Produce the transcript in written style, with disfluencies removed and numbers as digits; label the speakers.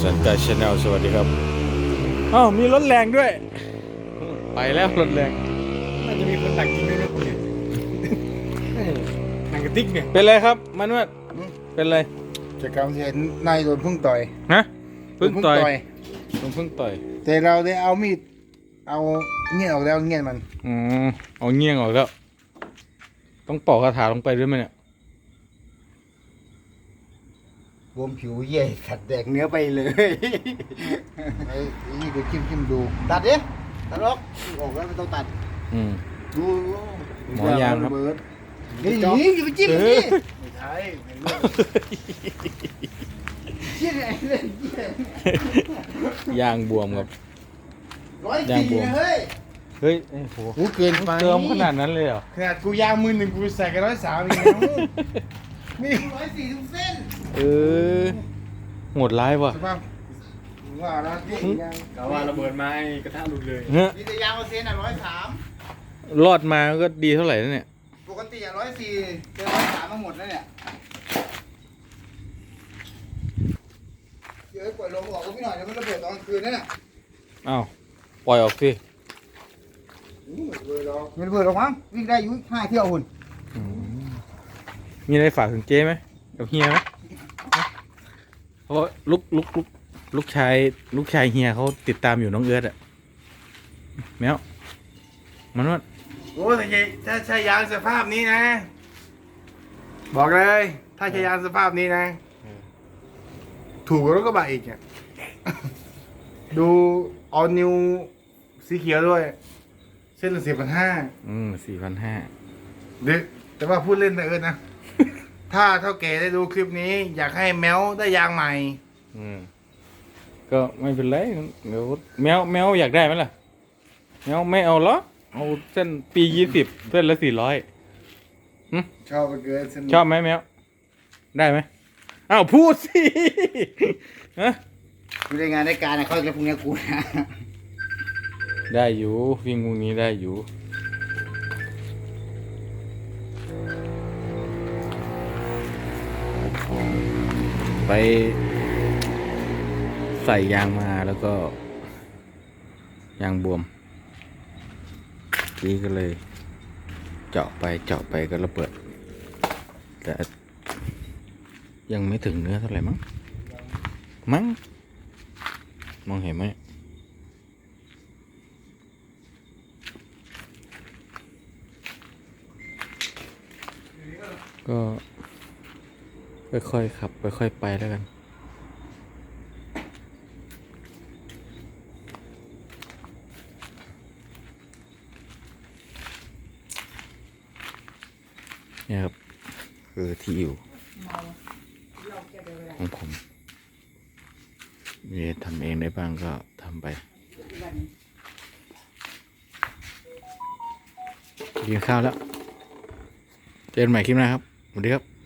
Speaker 1: สันกายชาแนลสวัสดีครับอ้าวมีรถแรงด้วยไปแล้วรถแรง
Speaker 2: น่าจะมีคนดักยิงด้วยนะคุณเนี่ยหนังกระติกเนี่ย
Speaker 1: เป็นไรครับมันว่าเป็นไร
Speaker 3: จากการเห็นนายโดนพึ่งต่อย
Speaker 1: ฮะพึ่งต่อย
Speaker 3: โดน
Speaker 1: พึ่งต่อย
Speaker 3: แต่เราได้เอามีดเอาเงี้ยออกแล้วเงี้ยมัน
Speaker 1: อ๋อเอาเงี้ยงออกแล้วต้องปอกคาถาลงไปด้วยไหมเนี่ย
Speaker 2: บวมผิวเย่ขัดแดกเนื้อไปเลย
Speaker 3: ไอ้นี่ก็จิ้มดู
Speaker 2: ตัดดิตัดออกออกแล้วไม่ต้องตัด
Speaker 1: อืม
Speaker 2: ดู
Speaker 1: หมอยางครับ
Speaker 2: นี่อย่าไปจิ้มดิ
Speaker 3: ไม่ใช่
Speaker 2: เชี่ยไอ้เล่นเชี่ย
Speaker 1: ยางบวมครับ
Speaker 2: 104นะเฮ้ย
Speaker 1: เฮ้ยโอ้โห
Speaker 3: กูเกินไป
Speaker 1: เติมขนาดนั้นเลยเหรอ
Speaker 3: ขนาดกูยางมือหนึ่งกูใส่กัน103อีกแล้วนี่
Speaker 2: 104ทุกเส้น
Speaker 1: เออโหดร้ายว่ะ
Speaker 3: สภาพว่าแล้วที่ยาง
Speaker 2: กะว่าระเบิดไม้กระทะหลุดเลย
Speaker 1: เฮ้ย
Speaker 2: มีแต่ยางเปอร์เซ็นต์อ่ะ103
Speaker 1: รอดมาก็ดีเท่าไหร่แล้วเนี่ย
Speaker 2: ปกติอ่ะ104เจอ103มาหมดแล้วเนี่ยเดี๋ยวปล่อยลมออกก็พี่หน่อยเดี๋ยวมันระเบิดตอนกลางคืนนั่นน่ะ
Speaker 1: อ้าวปล่อยออกสิ
Speaker 2: ไม่ระเบิดหรอกมั้งวิ่งได้อยู่5 เที่ยวหุ่น
Speaker 1: อืมมีอะไรฝากถึงเจ๊ไหมกับเฮียไหมเพราะลูกชายเฮียเขาติดตามอยู่น้องเอิร์ธอะแมวมันว่า
Speaker 3: โอ้ถ้าใช้ยางสภาพนี้นะ บอกเลยถ้าใช้ยางสภาพนี้นะ ถูกกว่ารถกระบะอีกอ่ะ ดูเอานิวสีเขียวด้วย เส้นละ4,500
Speaker 1: 4,500
Speaker 3: เด็กแต่ว่าพูดเล่นแต่เอิญนะ ถ้าเท่าแก่ได้ดูคลิปนี้ อยากให้แมวได้ยางใหม่
Speaker 1: ก็ไม่เป็นไรเดี๋ยวแมวอยากได้ไหมล่ะแมวไม่เอาหรอเอาเส้นปี20เส้นละ400
Speaker 3: ชอบไปเกินสนุก
Speaker 1: ชอบไหมแมวได้ไหมอ้าวพูดสิ ฮะ
Speaker 2: กูได้งานได้การนะเขาจะพรุ่งนี้กูนะ
Speaker 1: ได้อยู่วิ่งพวกนี้ได้อยู่ไปใส่ยางมาแล้วก็ยางบวมทีก็เลยเจาะไปก็ระเบิดแต่ยังไม่ถึงเนื้อเท่าไหร่มั้งมองเห็นไหมก็ค่อยๆขับค่อยๆไปแล้วกันเนี่ยครับคือที่อยู่ของผมมีทำเองได้บ้างก็ทำไปกินข้าวแล้วเจอกันใหม่คลิปหน้าครับสวัสดีครับ